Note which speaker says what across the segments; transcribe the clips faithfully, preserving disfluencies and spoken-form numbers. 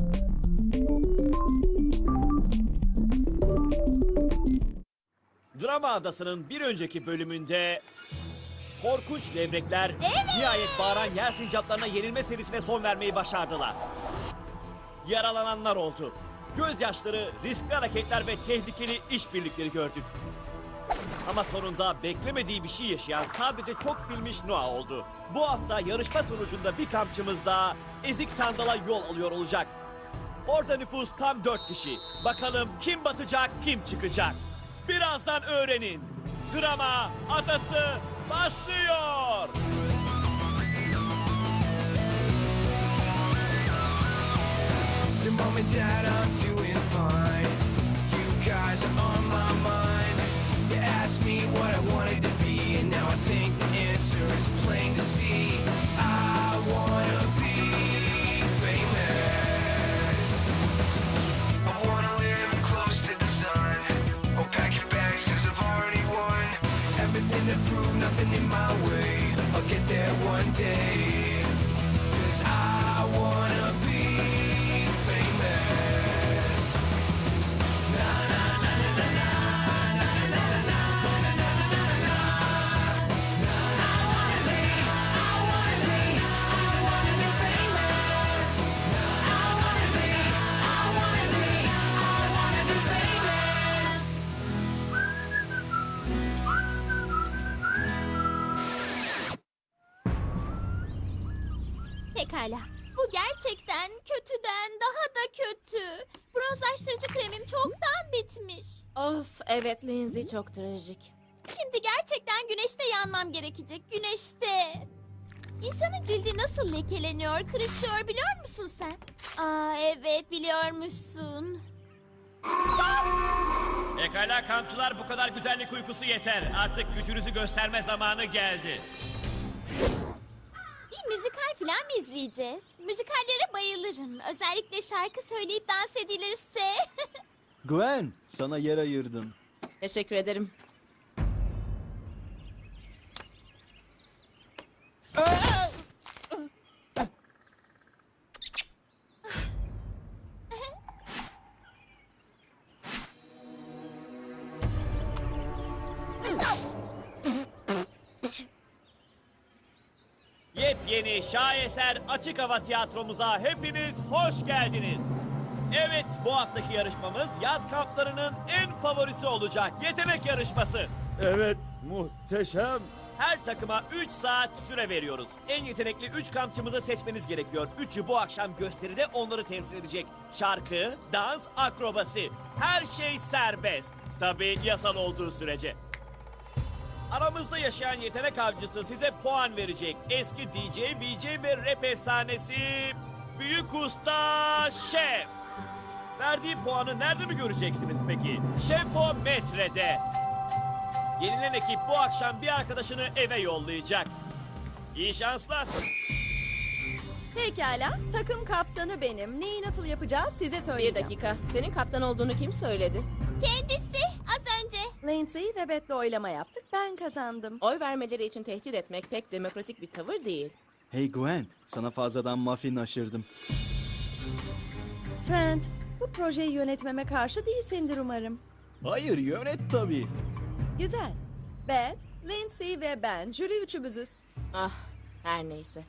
Speaker 1: Drama Adası'nın bir önceki bölümünde korkunç levrekler nihayet bağıran yer sincaplarına yenilme serisine son vermeyi başardılar. Yaralananlar oldu. Gözyaşları, riskli hareketler ve tehlikeli işbirlikleri gördük. Ama sonunda beklemediği bir şey yaşayan sadece çok bilmiş Noah oldu. Bu hafta yarışma sonucunda bir kampçımız daha ezik sandala yol alıyor olacak. Orada nüfus tam dört kişi. Bakalım kim batacak, kim çıkacak? Birazdan öğrenin. Drama Adası başlıyor.
Speaker 2: The moment that I'm doing fine, you guys are on my mind. You asked me what I wanted to be, and now I think the answer is plain to see. I wanna be famous. I wanna live close to the sun. Oh, pack your bags, cause I've already won. Everything to prove, nothing in my way. I'll get there one day. Cause I wanna be famous. Na na na na na na na na na na na na na na. I wanna be, I wanna be, I wanna be famous. I wanna be, I wanna be, I wanna be famous.
Speaker 3: Pekala. Bu gerçekten kötüden daha da kötü. Bronzlaştırıcı kremim çoktan bitmiş.
Speaker 4: Of evet Lindsay, çok trajik.
Speaker 3: Şimdi gerçekten güneşte yanmam gerekecek. Güneşte. İnsanın cildi nasıl lekeleniyor, kırışıyor biliyor musun sen? Aa evet biliyormuşsun.
Speaker 1: Pekala kampçılar, bu kadar güzellik uykusu yeter. Artık gücünüzü gösterme zamanı geldi.
Speaker 3: Bir müzikal falan mı izleyeceğiz? Müzikallere bayılırım. Özellikle şarkı söyleyip dans edilirse.
Speaker 5: Gwen, sana yer ayırdım.
Speaker 4: Teşekkür ederim.
Speaker 1: Yepyeni şaheser açık hava tiyatromuza hepiniz hoş geldiniz. Evet, bu haftaki yarışmamız yaz kamplarının en favorisi olacak. Yetenek yarışması.
Speaker 6: Evet, muhteşem.
Speaker 1: Her takıma üç saat süre veriyoruz. En yetenekli üç kampçımızı seçmeniz gerekiyor. Üçü bu akşam gösteride onları temsil edecek. Şarkı, dans, akrobasi. Her şey serbest. Tabii yasal olduğu sürece. Aramızda yaşayan yetenek avcısı size puan verecek. Eski D J, V J ve rap efsanesi Büyük Usta Şef. Verdiği puanı nerede mi göreceksiniz peki? Şefometre'de. Yenilen ekip bu akşam bir arkadaşını eve yollayacak. İyi şanslar.
Speaker 7: Pekala, takım kaptanı benim. Neyi nasıl yapacağız size söyleyeceğim.
Speaker 4: Bir dakika, senin kaptan olduğunu kim söyledi?
Speaker 3: Kendisi az önce.
Speaker 7: Lindsay ve Beth'le oylama yaptık, ben kazandım.
Speaker 4: Oy vermeleri için tehdit etmek pek demokratik bir tavır değil.
Speaker 5: Hey Gwen, sana fazladan muffin aşırdım.
Speaker 7: Trent, bu projeyi yönetmeme karşı değilsindir umarım.
Speaker 5: Hayır, yönet tabii.
Speaker 7: Güzel. Beth, Lindsay ve ben, jüri üçümüzüz.
Speaker 4: Ah, her neyse.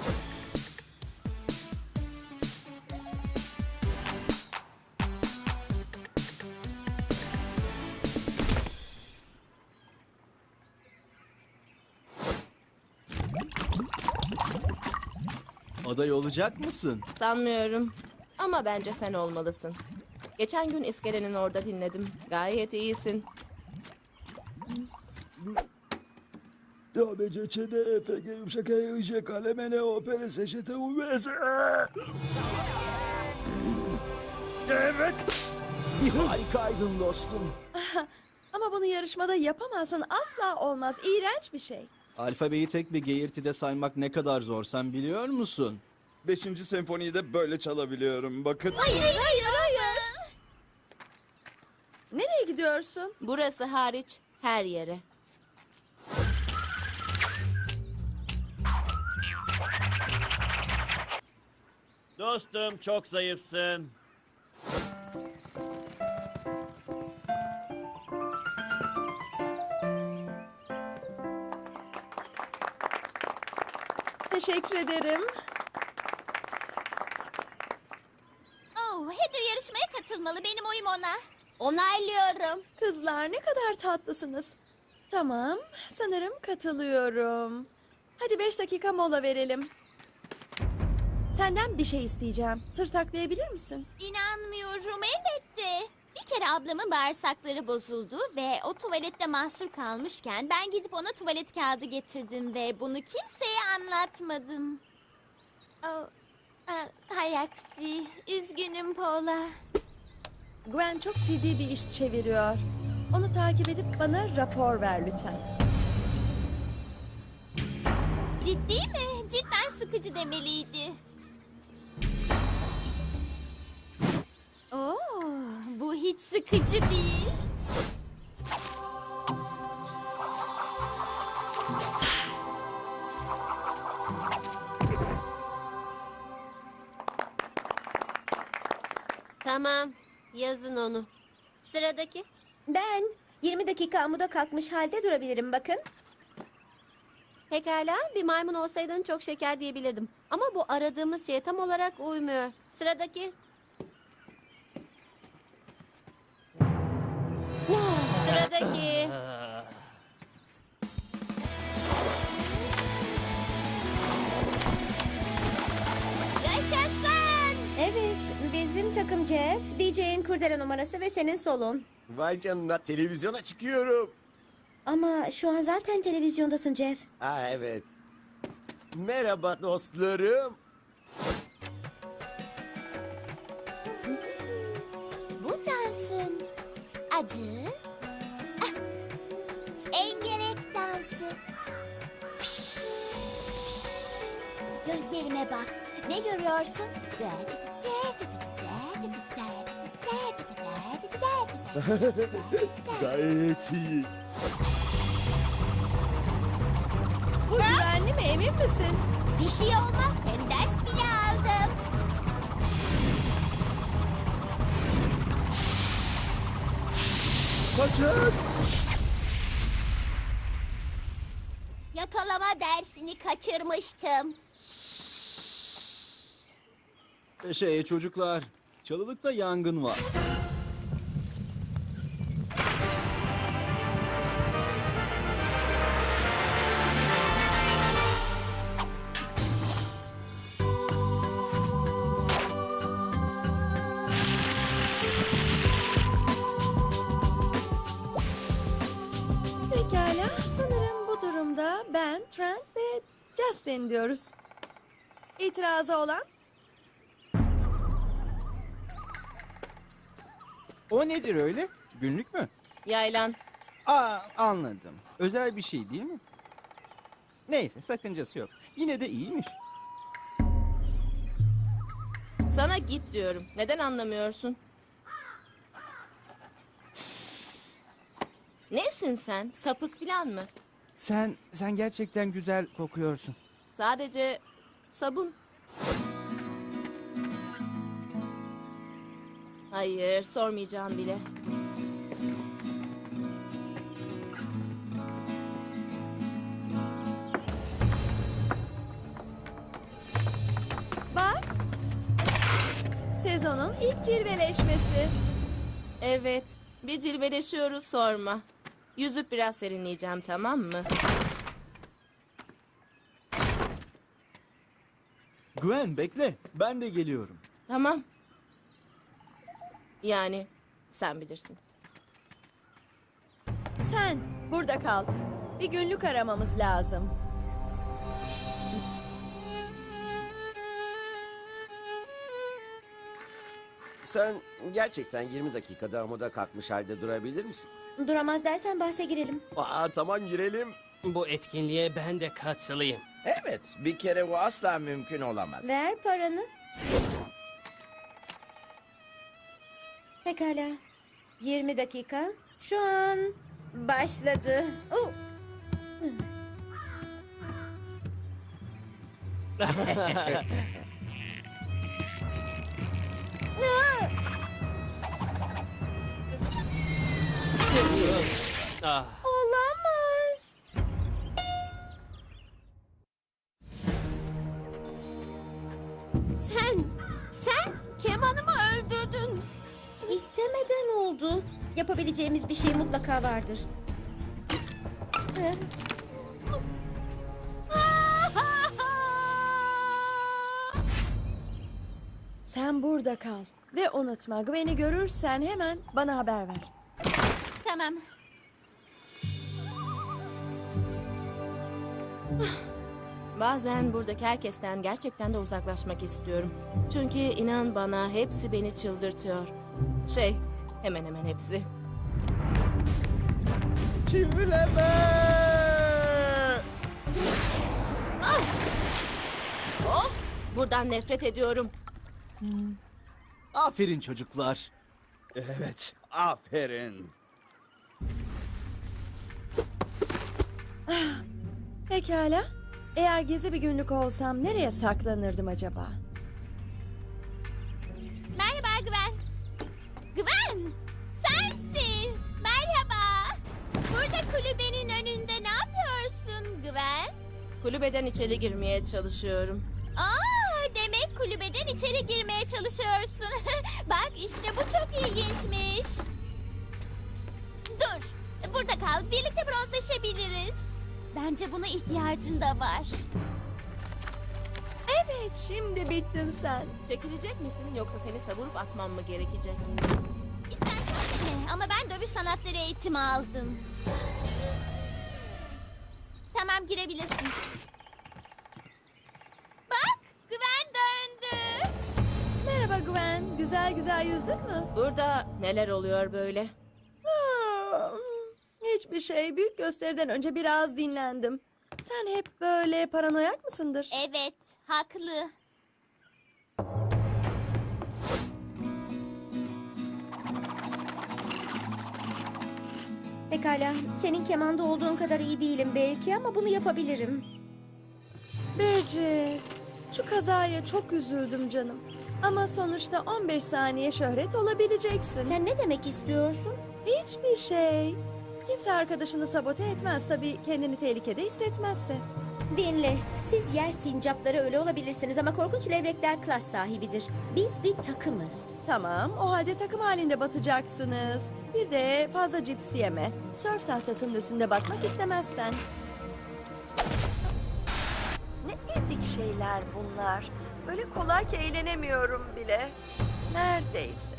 Speaker 5: Aday olacak mısın?
Speaker 4: Sanmıyorum. Ama bence sen olmalısın. Geçen gün iskelenin orada dinledim. Gayet iyisin.
Speaker 6: A, B, C, Ç, D, E, F, G, yumuşak E, I, J, K, L, M, N, O, P, R, S, Ş, T, U, V, S. Evet.
Speaker 5: Harikaydın dostum.
Speaker 7: Ama bunu yarışmada yapamazsın, asla olmaz. İğrenç bir şey.
Speaker 5: Alfabeyi tek bir geğirtide saymak ne kadar zor, sen biliyor musun?
Speaker 6: Beşinci senfoniyi de böyle çalabiliyorum. Bakın.
Speaker 3: Hayır hayır hayır.
Speaker 7: Nereye gidiyorsun?
Speaker 4: Burası hariç her yere.
Speaker 1: Dostum çok zayıfsın.
Speaker 7: Teşekkür ederim.
Speaker 3: Oh, Heather yarışmaya katılmalı. Benim oyum ona.
Speaker 8: Onaylıyorum.
Speaker 7: Kızlar ne kadar tatlısınız. Tamam, sanırım katılıyorum. Hadi beş dakika mola verelim. Senden bir şey isteyeceğim. Sır taklayabilir misin?
Speaker 3: İnanmıyorum elbette. Bir kere ablamın bağırsakları bozuldu ve o tuvalette mahsur kalmışken ben gidip ona tuvalet kağıdı getirdim ve bunu kimseye anlatmadım. Oh, ah, hay aksi. Üzgünüm Paula.
Speaker 7: Gwen çok ciddi bir iş çeviriyor. Onu takip edip bana rapor ver lütfen.
Speaker 3: Ciddi mi? Cidden sıkıcı demeliydi. Oo, bu hiç sıkıcı değil.
Speaker 8: Tamam. Yazın onu. Sıradaki. Ben yirmi dakika amuda kalkmış halde durabilirim bakın. Pekala, bir maymun olsaydın çok şeker diyebilirdim. Ama bu aradığımız şeye tam olarak uymuyor. Sıradaki. Sıradaki.
Speaker 3: Yaşasın!
Speaker 8: Evet, bizim takım Jeff, D J'in kurdele numarası ve senin solun.
Speaker 9: Vay canına televizyona çıkıyorum.
Speaker 8: Ama şu an zaten televizyondasın Jeff.
Speaker 9: Ha evet. Merhaba dostlarım.
Speaker 3: Bu dansın adı ah, engerek dansı. Fış, fış. Gözlerime bak. Ne görüyorsun?
Speaker 9: Gayet iyi.
Speaker 7: Bu güvenli mi, emin misin?
Speaker 3: Bir şey olmaz. Hem ders bile aldım.
Speaker 9: Kaçın.
Speaker 3: Yakalama dersini kaçırmıştım.
Speaker 5: Şey çocuklar, çalılıkta yangın var.
Speaker 7: Pekala, sanırım bu durumda ben, Trent ve Justin diyoruz. İtirazı olan?
Speaker 10: O nedir öyle? Günlük mü?
Speaker 4: Yaylan.
Speaker 10: Aa, anladım. Özel bir şey değil mi? Neyse, sakıncası yok. Yine de iyiymiş.
Speaker 4: Sana git diyorum. Neden anlamıyorsun? Nesin sen? Sapık falan mı?
Speaker 10: Sen, sen gerçekten güzel kokuyorsun.
Speaker 4: Sadece sabun. Hayır, sormayacağım bile.
Speaker 7: Bak. Sezonun ilk cilveleşmesi.
Speaker 4: Evet, bir cilveleşiyoruz sorma. Yüzüp biraz serinleyeceğim, tamam mı?
Speaker 5: Gwen bekle, ben de geliyorum.
Speaker 4: Tamam. Yani sen bilirsin.
Speaker 7: Sen burada kal. Bir günlük aramamız lazım.
Speaker 9: Sen gerçekten yirmi dakikada amuda kalkmış halde durabilir misin?
Speaker 8: Duramaz dersen bahse girelim.
Speaker 9: Aa tamam girelim.
Speaker 11: Bu etkinliğe ben de katılayım.
Speaker 12: Evet, bir kere bu asla mümkün olamaz.
Speaker 8: Ver paranı. Pekala. yirmi dakika. Şu an başladı. Oh.
Speaker 11: Ah.
Speaker 7: Olamaz.
Speaker 8: Sen, sen kemanımı öldürdün. İstemeden oldu. Yapabileceğimiz bir şey mutlaka vardır.
Speaker 7: Sen burada kal. Ve unutma, Gwen'i görürsen hemen bana haber ver.
Speaker 3: Tamam.
Speaker 4: Bazen buradaki herkesten gerçekten de uzaklaşmak istiyorum. Çünkü inan bana hepsi beni çıldırtıyor. Şey, hemen hemen hepsi.
Speaker 12: Çivileme!
Speaker 4: Of! Buradan nefret ediyorum.
Speaker 5: Aferin çocuklar.
Speaker 12: Evet, aferin.
Speaker 7: Pekala. Eğer gezi bir günlük olsam nereye saklanırdım acaba?
Speaker 3: Merhaba Gwen. Gwen! Sensin. Merhaba. Burada kulübenin önünde ne yapıyorsun Gwen?
Speaker 4: Kulübeden içeri girmeye çalışıyorum.
Speaker 3: Aa, demek kulübeden içeri girmeye çalışıyorsun. Bak işte bu çok ilginçmiş. Dur. Burada kal. Birlikte bronzlaşabiliriz. Bence buna ihtiyacın da var.
Speaker 7: Evet, şimdi bittin sen.
Speaker 4: Çekilecek misin yoksa seni savurup atmam mı gerekecek?
Speaker 3: İstersen dene ama ben dövüş sanatları eğitimi aldım. Tamam, girebilirsin. Bak, Gwen döndü.
Speaker 7: Merhaba Gwen, güzel güzel yüzdün mü?
Speaker 4: Burada neler oluyor böyle?
Speaker 7: Aa, hiçbir şey. Büyük gösteriden önce biraz dinlendim. Sen hep böyle paranoyak mısındır?
Speaker 3: Evet, haklı.
Speaker 8: Pekala, senin kemanda olduğun kadar iyi değilim belki ama bunu yapabilirim.
Speaker 7: Bridget, şu kazaya çok üzüldüm canım. Ama sonuçta on beş saniye şöhret olabileceksin.
Speaker 8: Sen ne demek istiyorsun?
Speaker 7: Hiçbir şey. Kimse arkadaşını sabote etmez tabii kendini tehlikede hissetmezse.
Speaker 8: Dinle, siz yer sincapları öyle olabilirsiniz ama korkunç levrekler klas sahibidir. Biz bir takımız.
Speaker 7: Tamam, o halde takım halinde batacaksınız. Bir de fazla cips yeme. Sörf tahtasının üstünde batmak istemezsen. Ne ezik şeyler bunlar. Öyle kolay ki eğlenemiyorum bile. Neredeyse.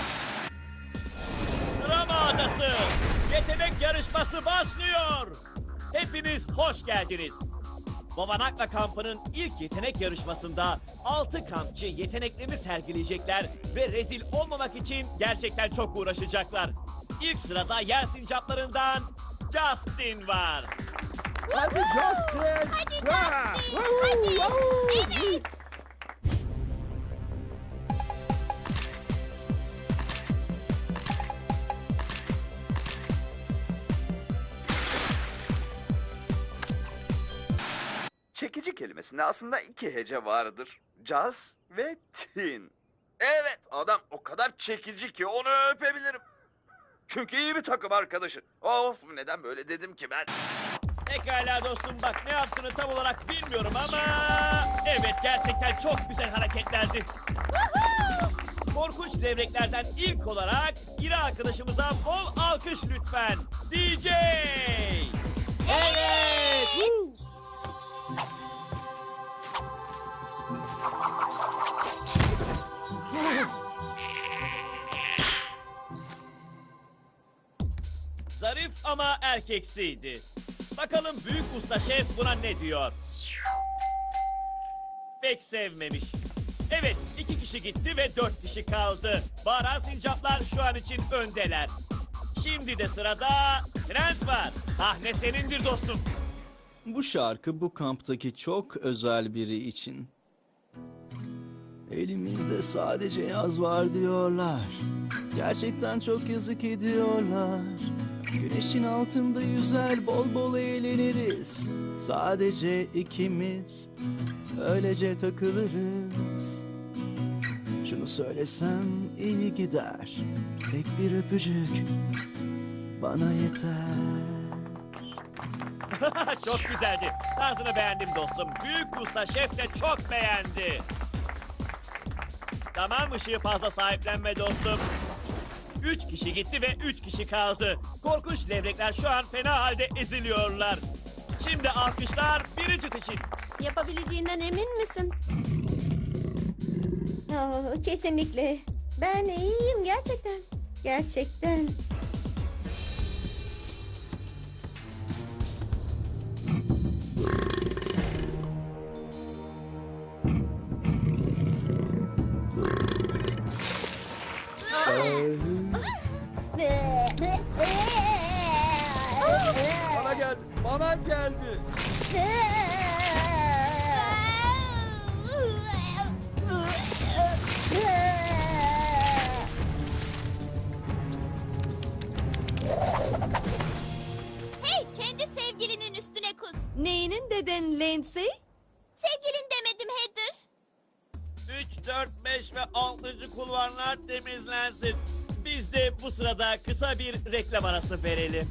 Speaker 1: Drama Adası yetenek yarışması başlıyor. Hepiniz hoş geldiniz. Babanakla kampının ilk yetenek yarışmasında altı kampçı yeteneklerini sergileyecekler ve rezil olmamak için gerçekten çok uğraşacaklar. İlk sırada yer sincaplarından Justin var.
Speaker 12: Hadi Justin!
Speaker 3: Hadi Justin, hadi. Evet.
Speaker 13: Çekici kelimesinde aslında iki hece vardır. Jazz ve tin. Evet, adam o kadar çekici ki onu öpebilirim. Çünkü iyi bir takım arkadaşı. Of, neden böyle dedim ki ben?
Speaker 1: Pekala dostum, bak ne yaptığını tam olarak bilmiyorum ama... Evet, gerçekten çok güzel hareketlerdi. Korkunç devreklerden ilk olarak İri arkadaşımıza bol alkış lütfen. D J!
Speaker 3: Evet.
Speaker 1: Zarif ama erkeksiydi. Bakalım büyük usta şef buna ne diyor? Pek sevmemiş. Evet, iki kişi gitti ve dört kişi kaldı. Bağıran sincaplar şu an için öndeler. Şimdi de sırada Trent var. Sahne senindir dostum.
Speaker 5: Bu şarkı bu kamptaki çok özel biri için. Elimizde sadece yaz var diyorlar. Gerçekten çok yazık ediyorlar. Güneşin altında yüzer bol bol eğleniriz. Sadece ikimiz öylece takılırız. Şunu söylesem iyi gider. Tek bir öpücük bana yeter.
Speaker 1: Çok güzeldi. Tarzını beğendim dostum. Büyük usta şef de çok beğendi. Tamam, ışığı fazla sahiplenme dostum. Üç kişi gitti ve üç kişi kaldı. Korkunç levrekler şu an fena halde eziliyorlar. Şimdi alkışlar Bridget için.
Speaker 8: Yapabileceğinden emin misin? Oh, kesinlikle. Ben iyiyim gerçekten. Gerçekten.
Speaker 12: Bana geldi. Bana geldi.
Speaker 3: Hey, kendi sevgilinin üstüne kus.
Speaker 7: Neyinin deden Lindsay?
Speaker 3: Sevgilin demedim Heather.
Speaker 1: üç, dört, beş ve altıncı kulvarlar temizlensin. Biz de bu sırada kısa bir reklam arası verelim.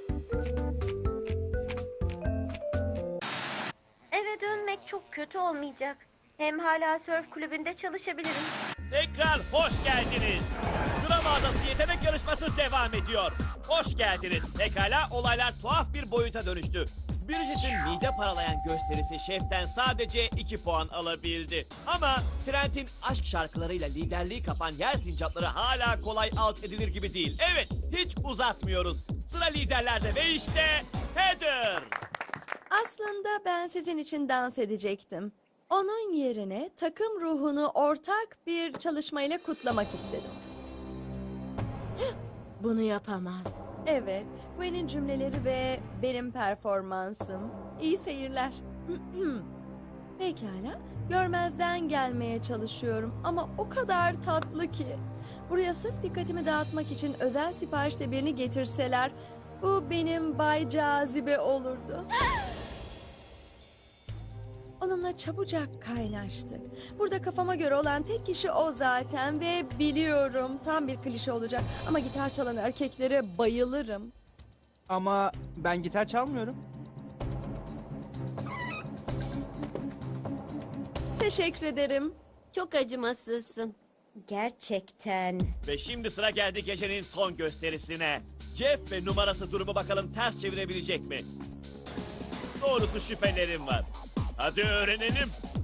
Speaker 8: Eve dönmek çok kötü olmayacak. Hem hala sörf kulübünde çalışabilirim.
Speaker 1: Tekrar hoş geldiniz. Gram Adası yetenek yarışması devam ediyor. Hoş geldiniz. Pekala, olaylar tuhaf bir boyuta dönüştü. Bridget'in mide paralayan gösterisi şeften sadece iki puan alabildi. Ama Trent'in aşk şarkılarıyla liderliği kapan yer sincapları hala kolay alt edilir gibi değil. Evet, hiç uzatmıyoruz. Sıra liderlerde ve işte Heather.
Speaker 7: Aslında ben sizin için dans edecektim. Onun yerine takım ruhunu ortak bir çalışmayla kutlamak istedim.
Speaker 4: Bunu yapamaz.
Speaker 7: Evet, Gwen'in cümleleri ve benim performansım. İyi seyirler. Pekala, görmezden gelmeye çalışıyorum ama o kadar tatlı ki. Buraya sırf dikkatimi dağıtmak için özel siparişte birini getirseler, bu benim Bay Cazibe olurdu. Onunla çabucak kaynaştık. Burada kafama göre olan tek kişi o zaten ve biliyorum tam bir klişe olacak. Ama gitar çalan erkeklere bayılırım.
Speaker 10: Ama ben gitar çalmıyorum.
Speaker 7: Teşekkür ederim.
Speaker 8: Çok acımasızsın. Gerçekten.
Speaker 1: Ve şimdi sıra geldi gecenin son gösterisine. Jeff ve numarası durumu bakalım ters çevirebilecek mi? Doğrusu şüphelerim var. Hadi öğrenelim.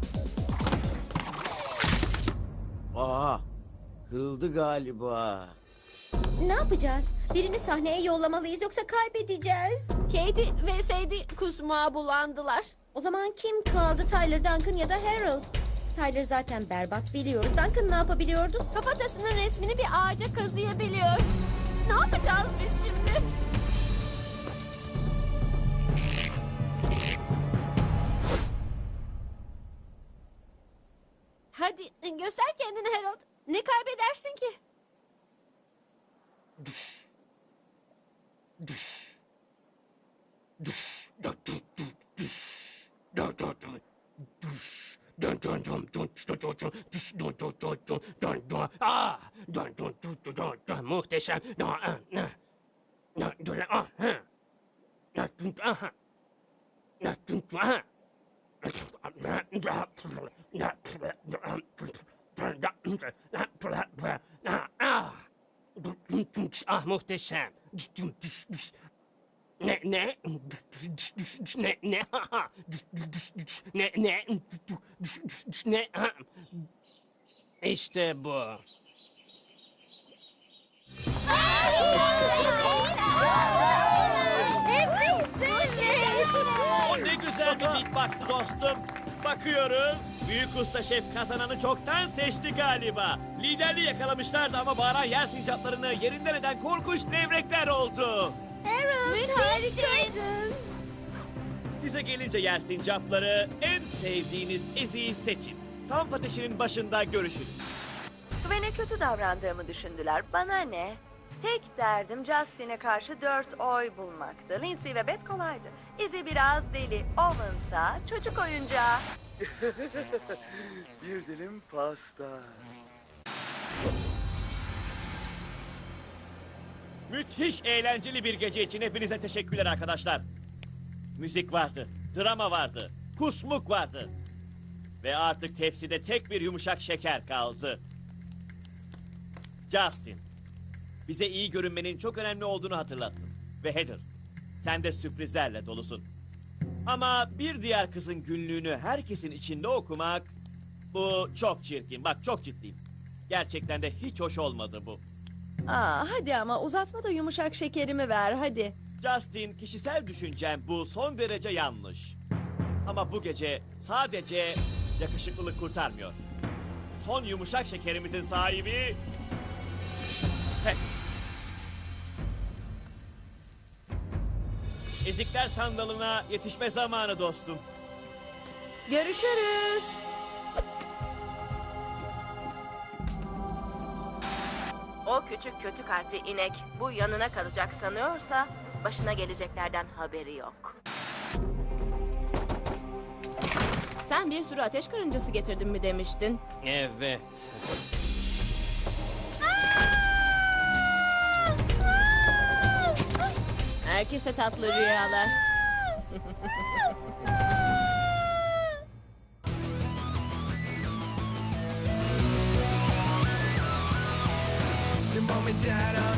Speaker 9: Aa, kırıldı galiba.
Speaker 8: Ne yapacağız? Birini sahneye yollamalıyız yoksa kaybedeceğiz. Katie ve Sadie kusmağa bulandılar. O zaman kim kaldı? Tyler, Duncan ya da Harold? Tyler zaten berbat biliyoruz. Duncan ne yapabiliyordu? Kafatasının resmini bir ağaca kazıyabiliyor. Ne yapacağız biz şimdi? Hadi göster kendini Harold. Ne kaybedersin ki?
Speaker 11: Ah! Muhteşem. Ah, muhteşem. Ne ne ne ne ne ne ne İşte bu.
Speaker 1: O ne güzel bir beatbox'tı dostum. Bakıyoruz. Büyük usta şef kazananı çoktan seçti galiba. Liderliği yakalamışlardı ama bağıran yer sincaplarını yerinden eden korkunç levrekler oldu.
Speaker 8: Harold harikaydın.
Speaker 1: Size gelince yer sincapları, en sevdiğiniz eziği seçin. Kamp ateşinin başında görüşün.
Speaker 7: Gwen'e kötü davrandığımı düşündüler. Bana ne? Tek derdim Justin'e karşı dört oy bulmaktı. Lindsay ve Beth kolaydı. Izzy biraz deli. Owen'sa çocuk oyuncağı.
Speaker 12: Bir dilim pasta.
Speaker 1: Müthiş eğlenceli bir gece için hepinize teşekkürler arkadaşlar. Müzik vardı, drama vardı, kusmuk vardı. Ve artık tepside tek bir yumuşak şeker kaldı. Justin, bize iyi görünmenin çok önemli olduğunu hatırlattın. Ve Heather, sen de sürprizlerle dolusun. Ama bir diğer kızın günlüğünü herkesin içinde okumak... Bu çok çirkin, bak çok ciddiyim. Gerçekten de hiç hoş olmadı bu.
Speaker 14: Aa, hadi ama uzatma da yumuşak şekerimi ver hadi.
Speaker 1: Justin, kişisel düşüncem bu son derece yanlış. Ama bu gece sadece yakışıklılık kurtarmıyor. Son yumuşak şekerimizin sahibi... Heather. Ezikler sandalına yetişme zamanı dostum.
Speaker 14: Görüşürüz.
Speaker 4: O küçük kötü kalpli inek bu yanına kalacak sanıyorsa başına geleceklerden haberi yok. Sen bir sürü ateş karıncası getirdin mi demiştin?
Speaker 11: Evet.
Speaker 4: Herkese tatlı rüyalar.
Speaker 2: The moment that I